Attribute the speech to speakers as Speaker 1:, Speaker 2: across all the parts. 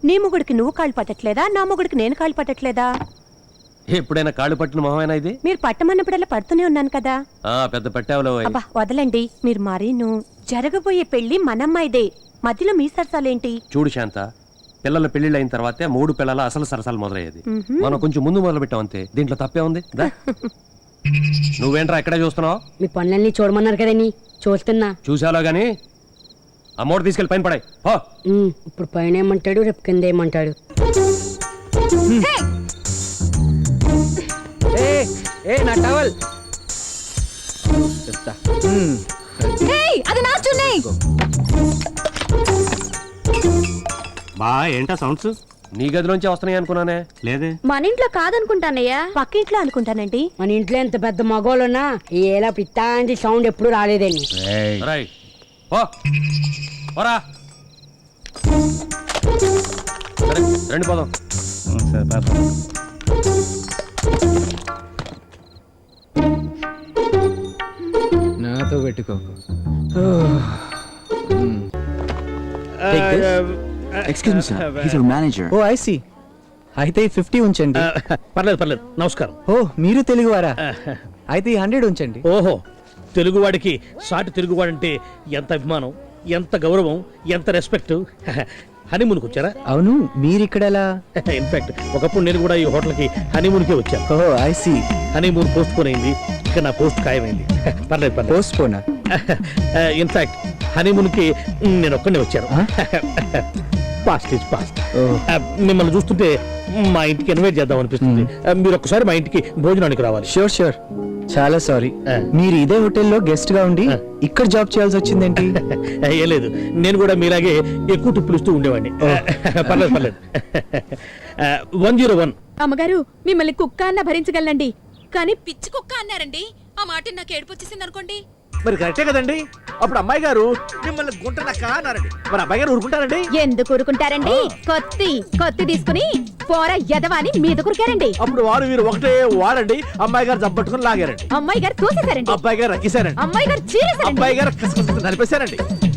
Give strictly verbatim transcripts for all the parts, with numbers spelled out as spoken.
Speaker 1: నీ మొగుడికి నువ్వు కాళ్ళు పట్టట్లేదా, నా మొగుడికి నేను కాళ్ళు పట్టట్లేదా?
Speaker 2: ఎప్పుడైనా కాళ్ళు పట్టిన మొహమేనా ఇది?
Speaker 1: మీరు పట్టమన్నప్పుడల్లా పడుతూనే ఉన్నాను కదా.
Speaker 2: ఆ పెద్ద పట్టావులో.
Speaker 1: అబ్బా వదలండి, మీరు మరీను. జరగబోయే పెళ్లి మనమ్మాయిదే, మధ్యలో మీ సరసాలేంటి?
Speaker 2: చూడు శాంత, పిల్లల పెళ్లిళ్ళు అయిన తర్వాతే మూడు పిల్లల అసలు సరసాలు మొదలయ్యేది. మనం కొంచెం ముందు మొదలు పెట్టాం అంతే, దీంట్లో తప్పే ఉంది. నువ్వేంట్రా ఎక్కడే చూస్తున్నావు?
Speaker 3: మీ పనులన్నీ చూడమన్నారు కదండి, చూస్తున్నా.
Speaker 2: చూసాలో గాని అమ్మోడు తీసుకెళ్ళి పైన పడాయి.
Speaker 3: ఇప్పుడు పైన ఏమంటాడు, రేపు కింద ఏమంటాడు.
Speaker 4: నా టవల్
Speaker 5: బా ఏంటా సౌండ్స్?
Speaker 2: నీ గదిలోంచి వస్తున్నాయి అనుకున్నానే.
Speaker 5: లేదే, మన
Speaker 1: ఇంట్లో కాదనుకుంటానయ్యా, పక్కింట్లో అనుకుంటానండి.
Speaker 3: మన ఇంట్లో ఎంత పెద్ద మగోళ్ళున్నా ఏలా పిత్తాంటి సౌండ్ ఎప్పుడు రాలేదండి.
Speaker 2: రెండు పోదాం.
Speaker 4: నాతో పెట్టుకోకు.
Speaker 6: Excuse me, sir. He's our manager.
Speaker 4: Oh I see. అయితే ఫిఫ్టీ ఉంచండి.
Speaker 7: పర్లేదు పర్లేదు, నమస్కారం.
Speaker 4: ఓ మీరు తెలుగువారా? అయితే హండ్రెడ్ ఉంచండి.
Speaker 7: ఓహో, తెలుగువాడికి సాటి తెలుగువాడంటే ఎంత అభిమానం, ఎంత గౌరవం, ఎంత రెస్పెక్ట్. హనీమూన్కి వచ్చారా?
Speaker 4: అవును, మీరు ఇక్కడ ఎలా?
Speaker 7: ఇన్ఫాక్ట్ ఒకప్పుడు నేను కూడా ఈ హోటల్కి హనీమూన్కే వచ్చాను.
Speaker 4: Oh I see.
Speaker 7: Honeymoon postpone అయింది, ఇక నా పోస్ట్ ఖాయమైంది. పర్లేదు పర్లేదు.
Speaker 4: పోస్ట్ పోనా?
Speaker 7: ఇన్ఫాక్ట్ హనీమూన్కి నేను ఒక్కనే వచ్చాను. Past is past. మిమ్మల్ని చూస్తుంటే మా ఇంటికి ఇన్వైట్ చేద్దాం అనిపిస్తుంది. మీరు ఒక్కసారి మా ఇంటికి భోజనానికి రావాలి.
Speaker 4: Sure sure. చాలా సారీ, మీరు ఇదే హోటల్లో గెస్ట్ గా ఉండి ఇక్కడ జాబ్ చేయాల్సి వచ్చిందేంటి?
Speaker 7: ఏ లేదు, నేను కూడా మీలాగే ఎక్కువ టిప్పులు ఇస్తూ ఉండేవాడిని. పర్లేదు పర్లేదు. One zero one.
Speaker 8: అమ్మగారు, మిమ్మల్ని కుక్క అన్న భరించగలనండి, కానీ పిచ్చి కుక్క అన్నారండి, ఆ మాట నాకు ఏడుపు వచ్చేసింది అనుకోండి.
Speaker 9: మరి కరెక్టే కదండి. అప్పుడు అమ్మాయి గారు మిమ్మల్ని గుంటనక్క అన్నారండి, మరి అమ్మాయి గారు ఊరుకుంటారండి?
Speaker 8: ఎందుకు ఊరుకుంటారండి? కొత్తి కొత్తి తీసుకుని పోరా ఎదవాని మీద కురికారండి.
Speaker 9: అప్పుడు వారు వీరు ఒకటే వాడండి, అమ్మాయి గారు జబ్బట్టుకుని లాగారండి,
Speaker 8: అమ్మాయి గారు తోసేశారండి,
Speaker 9: అబ్బాయి గారు రక్కేశారండి,
Speaker 8: అమ్మాయి గారు చీరేశారండి,
Speaker 9: అబ్బాయి గారు కసకస నలిపేశారండి.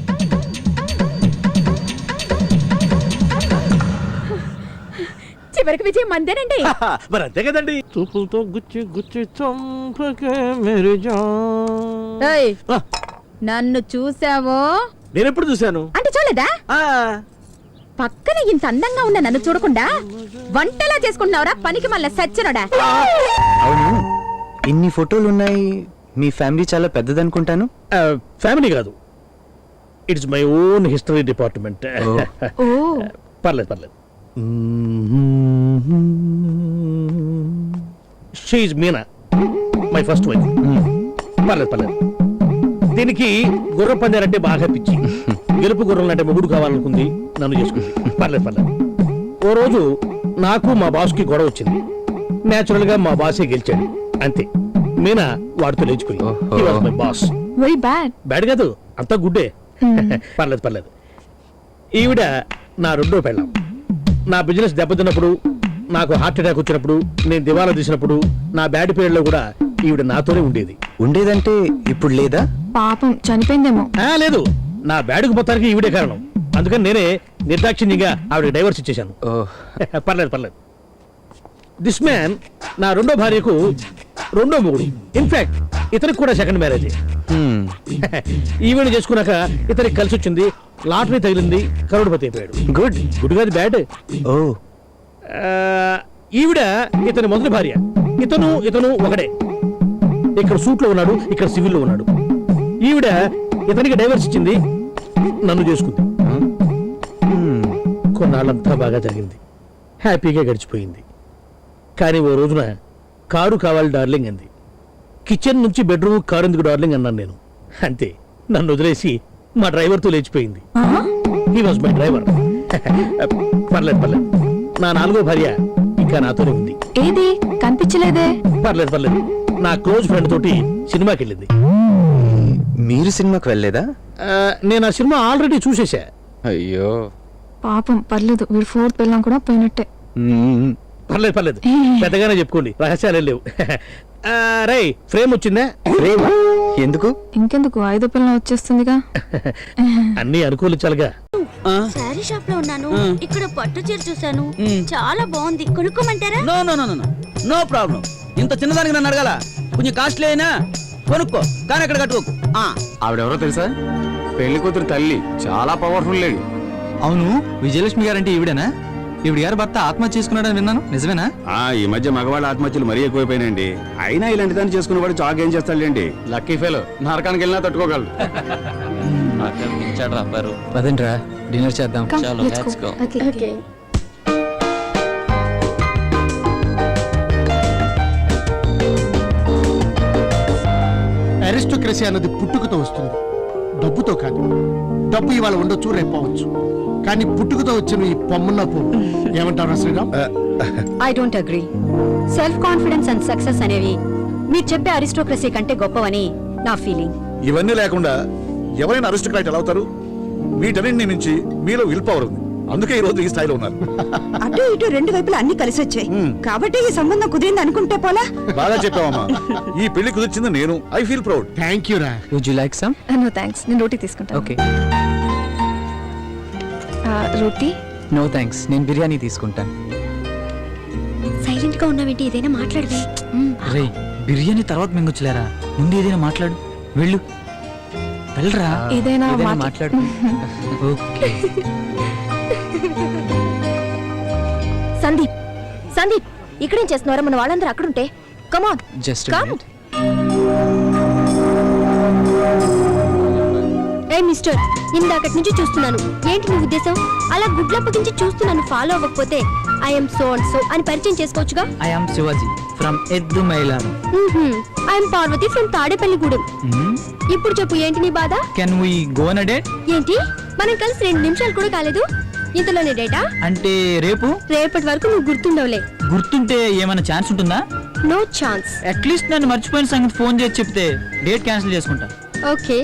Speaker 8: చివరికి విజయం మందేనండి.
Speaker 9: మరి అంతే కదండి.
Speaker 7: చూపులతో గుచ్చి గుచ్చి చంపకే మేరీ జాన్.
Speaker 8: ఏయ్, నన్ను చూసావో?
Speaker 9: నేను ఎప్పుడు చూశాను
Speaker 8: అంటే చూడలేదా? పక్కన ఇంత అందంగా ఉన్న నన్ను చూడకుండా వంటలా చేసుకుంటున్నావురా పనికి మళ్ళీ సచ్చినోడా.
Speaker 4: అవును, ఇన్ని ఫోటోలు ఉన్నాయి, మీ ఫ్యామిలీ చాలా పెద్దదనుకుంటాను.
Speaker 7: ఫ్యామిలీ కాదు, it's my own history department. పర్లేదు పర్లేదు. She is Meena, my first wife. పర్లేదు పర్లేదు. దీనికి గుర్రం పందాలంటే బాగా పిచ్చి, గెలుపు గుర్రం అంటే మొగుడు కావాలనుకుంది, నన్ను చేసుకుంది. పర్లేదు పర్లేదు. ఓ రోజు నాకు మా బాస్కి గొడవ వచ్చింది, నేచురల్ గా మా బాసే గెలిచాడు, అంతే. మీనా వాడితో లేచిపోయింది. My boss.
Speaker 8: Very bad.
Speaker 7: Bad కాదు, అంతా గుడ్డే. పర్లేదు పర్లేదు. ఈవిడ నా రెండో పెళ్ళాం. నా బిజినెస్ దెబ్బతిన్నప్పుడు, నాకు హార్ట్ అటాక్ వచ్చినప్పుడు, నేను దివాలా తీసినప్పుడు, నా బ్యాడ్ పీరియడ్ లో కూడా ఈవిడ నాతోనే ఉండేది.
Speaker 4: ఉండేదంటే ఇప్పుడు లేదా?
Speaker 8: పాపం చనిపోయిందేమో.
Speaker 7: లేదు, నా బ్యాడ్కు మొత్తానికి ఈవిడే కారణం. అందుకని నేనే నిర్దాక్షిణ్యంగా ఆవిడ డైవర్స్ ఇచ్చేశాను. పర్లేదు పర్లేదు. దిస్ మ్యాన్ నా రెండో భార్యకు రెండో మొగుడు. ఇన్ఫాక్ట్ ఇతనికి కూడా సెకండ్ మ్యారేజ్. ఈవెంట్ చేసుకున్నాక ఇతనికి కలిసి వచ్చింది, లాటరీ తగిలింది, కరోడ్పతి అయిపోయాడు.
Speaker 4: గుడ్.
Speaker 7: గుడ్ కాదు, బ్యాడ్.
Speaker 4: ఓ.
Speaker 7: ఈవిడ ఇతని మొదటి భార్య. ఇతను ఇతను ఒకడే. ఇక్కడ సూట్ లో ఉన్నాడు, ఇక్కడ సివిల్ లో ఉన్నాడు. ఈవిడ ఇతనికి డైవర్స్ ఇచ్చింది, నన్ను చేసుకుంది. కొన్నాళ్ళంతా బాగా జరిగింది, హ్యాపీగా గడిచిపోయింది. కానీ ఓ రోజున కారు కావాలి డార్లింగ్ అంది. కిచెన్ నుంచి బెడ్రూమ్ కారు ఎందుకు డార్లింగ్ అన్నాను నేను. అంతే, నన్ను వదిలేసి మా డ్రైవర్తో లేచిపోయింది. He was my driver. పర్లేదు పర్లేదు. నా నాలుగో భార్య ఇంకా నాతోనే ఉంది.
Speaker 8: ఏది కనిపించలేదే?
Speaker 7: పర్లేదు పర్లేదు. నా క్లోజ్ ఫ్రెండ్ తోటి సినిమాకి వెళ్ళింది.
Speaker 4: మీరు సినిమాకి వెళ్ళలేదా?
Speaker 7: నేను ఆ సినిమా ఆల్రెడీ చూసేసా.
Speaker 4: అయ్యో
Speaker 8: పాపం. పర్లేదు, వీడు ఫోర్త్ పెళ్ళాం కూడా పోయినట్టే.
Speaker 7: పర్లేదు పర్లేదు, పెద్దగానే చెప్పుకోండి, రహస్యాలే లేవు. రై, ఫ్రేమ్ వచ్చిందా?
Speaker 4: ఫ్రేమ్ ఎందుకు?
Speaker 8: ఇంకెందుకు, ఐదో పిల్లలు వచ్చేస్తుందిగా.
Speaker 7: అన్ని అనుకూలించాలిగా.
Speaker 10: సార్ శారీ షాప్ లో ఉన్నాను. ఇక్కడ పట్టు చీర చూసాను, చాలా బాగుంది. కొనుక్కోమంటారా?
Speaker 6: No no no no no problem. ఇంత చిన్నదానికి నన్ను అడగాల? కొంచెం కాస్ట్లీ అయినా కొనుక్కో, కానీ అక్కడ కట్టుకోకు.
Speaker 4: ఆవిడెవరో తెలుసా? పెళ్లి కూతురు తల్లి, చాలా పవర్ఫుల్ లేడీ. అవును, విజయలక్ష్మి గారంటే ఈవిడేనా? ఈవిడ గారు భర్త ఆత్మహత్య చేసుకున్నాడని విన్నాను, నిజమేనా?
Speaker 11: ఆ ఈ మధ్య మగవాళ్ళ ఆత్మహత్యలు మరీ ఎక్కువైపోయినాయండి. అయినా ఇలాంటి దాన్ని చేసుకునేవాడు చాక్ ఏం చేస్తాడులేండి.
Speaker 4: లక్కీ ఫెలో, నరకానికి వెళ్ళినా తట్టుకోగలడు. పదండ్రా, డిన్నర్ చేద్దాం.
Speaker 9: అరిస్టోక్రసీ అన్నది పుట్టుకతో వస్తుంది, డబ్బుతో కాదు. డబ్బు ఇవాళ ఉండొచ్చు, రేపు పోవచ్చు, కానీ పుట్టుకతో వచ్చిన ఈ పొమ్మన్న పువ్వు ఏమంటారు Sriram?
Speaker 1: I don't agree. Self confidence and success అనేవి మీరు చెప్పే అరిస్టోక్రసీ కంటే గొప్పవని నా ఫీలింగ్.
Speaker 11: ఇవన్నీ లేకుండా ఎవరైనా అరిస్టోక్రాట్ ఎలా అవుతారు? వీటన్నింటి నుంచి మీలో విల్ పవర్ ఉంది, అందుకే ఈ రోజు ఈ స్థాయిలో ఉన్నారు.
Speaker 1: అటు ఇటు రెండు వైపులు అన్ని కలిసి వచ్చాయి కాబట్టి ఈ సంబంధం కుదిరింది అనుకుంటే పోలా.
Speaker 11: బాగా చెప్పావమ్మా. ఈ పెళ్లి కుదిర్చింది నేను. I feel proud.
Speaker 9: Thank you రా.
Speaker 4: Would you like some?
Speaker 8: No thanks, నేను రోటీ తీసుకుంటాను.
Speaker 4: ఓకే.
Speaker 8: రోటీ?
Speaker 4: నో థ్యాంక్స్, నేను బిర్యానీ తీసుకుంటాను.
Speaker 10: సైలెంట్ గా ఉన్నావేంటి? ఏదైనా మాట్లాడవే.
Speaker 4: రే, బిర్యానీ తర్వాత మింగొచ్చులేరా, ముందు ఏదైనా మాట్లాడు. వెళ్ళు, వెళ్ళరా.
Speaker 8: ఏదైనా మాట్లా-
Speaker 4: మాట్లాడు. ఓకే.
Speaker 8: సందీప్, సందీప్, ఇక్కడేం చేస్తున్నారా? మన వాళ్ళందరూ అక్కడుంటే. కమాన్,
Speaker 4: జస్ట్
Speaker 10: ఏ మిస్టర్, ఇందాకటి నుంచి చూస్తున్నాను. ఏంటి నీ ఉద్దేశం? అలా గుడ్లప్పగించి చూస్తున్నాను. ఫాలో అవ్వకపోతే ఐఎమ్ సో అండ్ సో అని పరిచయం చేసుకోవచ్చుగా.
Speaker 4: I am Shivaji from Eddumailaram.
Speaker 10: I'm Parvathi from Tadepalligudem. ఇప్పుడు చెప్పు, ఏంటి నీ బాధ?
Speaker 4: Can we go on a date?
Speaker 10: ఏంటి, మనం కలిసి రెండు నిమిషాలు కూడా కాలేదు, ఇంతలోనే డేటా?
Speaker 4: అంటే రేపు?
Speaker 10: రేపటి వరకు నువ్వు గుర్తుండవులే.
Speaker 4: గుర్తుంటే ఏమైనా ఛాన్స్ ఉంటుందా?
Speaker 10: No chance.
Speaker 4: అట్లీస్ట్ నన్ను మర్చిపోయిన సంగతి ఫోన్ చేసి చెప్తే డేట్ క్యాన్సిల్ చేసుకుంటా.
Speaker 10: ఓకే.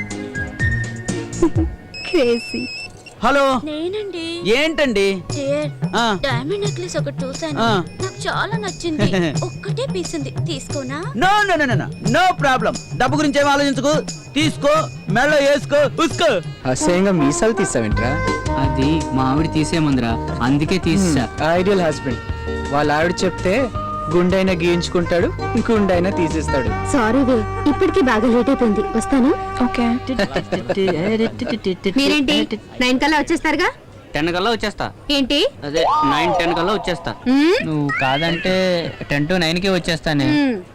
Speaker 10: క్రేజీ.
Speaker 6: హలో,
Speaker 10: నేనండి.
Speaker 6: ఏంటండి?
Speaker 10: డైమండ్ నెక్లెస్ ఒకటి చూసాను, నాకు చాలా నచ్చింది. ఒక్కటే పీస్ ఉంది, తీసుకోనా?
Speaker 6: No no no no no problem. డబ్బు గురించి ఏం ఆలోచించుకో, తీసుకో, మెడలో వేసుకో, ఉసుకో.
Speaker 4: అసహ్యంగా మీసాలు తీసావేంట్రా?
Speaker 5: అది మా ఆవిడ తీసేమందిరా, అందుకే తీసా.
Speaker 4: Ideal husband. వాళ్ళ ఆవిడ చెప్తే గుండైనా గీయించుకుంటాడు, గుండైనా తీసేస్తాడు.
Speaker 10: సారీ వే, ఇప్పటికి బాగా లేట్ అయిపోయింది, వస్తాను.
Speaker 8: ఓకే.
Speaker 10: మీరేంటి నైన్ కల్లా వచ్చేస్తారుగా?
Speaker 5: టెన్ కల్లా వచ్చేస్తా.
Speaker 10: ఏంటి?
Speaker 5: అదే నైన్ టెన్ కల్లా వచ్చేస్తా. నువ్వు కాదంటే టెన్ టు నైన్ కి వచ్చేస్తానే.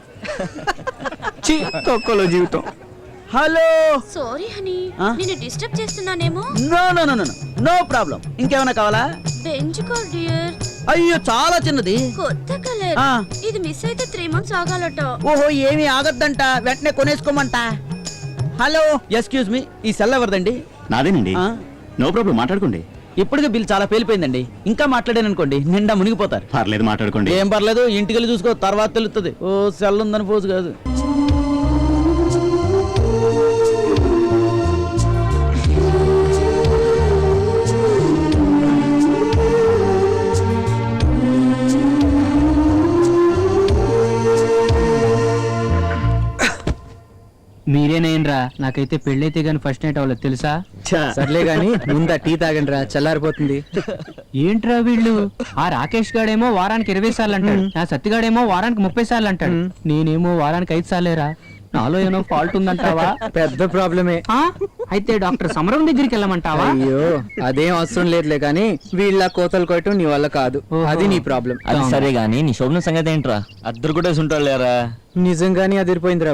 Speaker 4: తొక్కలో జీవితం.
Speaker 6: హలో,
Speaker 10: సారీ హనీ, నిన్ను డిస్టర్బ్ చేస్తున్నానేమో.
Speaker 6: No no no no no problem. ఇంకేమైనా కావాలా?
Speaker 10: బెంచుకో డియర్.
Speaker 6: అయ్యో, చాలా చిన్నది,
Speaker 10: కొత్త కలర్. ఇది మిస్ అయితే త్రీ మంత్స్ ఆగాలట.
Speaker 6: ఓహో, ఏమీ ఆగద్దంట, వెంటనే కొనేసుకోమంట. హలో, ఎక్స్క్యూజ్ మీ, ఈ సెల్ ఎవరిదండి?
Speaker 11: నాదేనండి. నో ప్రాబ్లం, మాట్లాడుకోండి.
Speaker 6: ఇప్పటికే బిల్ చాలా పేలిపోయిందండి, ఇంకా మాట్లాడాను అనుకోండి నిండా మునిగిపోతారు.
Speaker 11: పర్లేదు, మాట్లాడుకోండి.
Speaker 6: ఏం పర్లేదు, ఇంటికి వెళ్ళి చూసుకో, తర్వాత తెలుస్తుంది. ఓ, సెల్ ఉందని పోజు కాదు.
Speaker 5: మీరేనేనరా, నాకైతే పెళ్ళైతే గానీ ఫస్ట్ నైట్ అవ్వలేదు తెలుసా.
Speaker 4: సర్లే గాని ముందా టీ తాగండి రా, చల్లారిపోతుంది.
Speaker 5: ఏంట్రా వీళ్ళు, ఆ రాకేష్ గాడేమో వారానికి ఇరవై సార్లు అంటాడు, ఆ సత్తిగాడేమో వారానికి ముప్పై సార్లు అంటాడు, నేనేమో వారానికి ఐదు సార్లేరా. నాలో ఏమో ఫాల్ట్ ఉందంటావా?
Speaker 4: పెద్ద ప్రాబ్లమే.
Speaker 5: అయితే డాక్టర్ సమరం దగ్గరికి వెళ్ళమంటావా?
Speaker 4: అయ్యో, అదేం అవసరం లేదులే గాని వీళ్ళ కోతలు కొట్టడం నీ వల్ల కాదు, అది నీ ప్రాబ్లం.
Speaker 5: అది సరే
Speaker 6: గానీ నీ శోభన సంగతి ఏంట్రా? అద్దరు కూడా ఉంటాడు లేరా?
Speaker 4: నిజంగానే అదిరిపోయిందిరా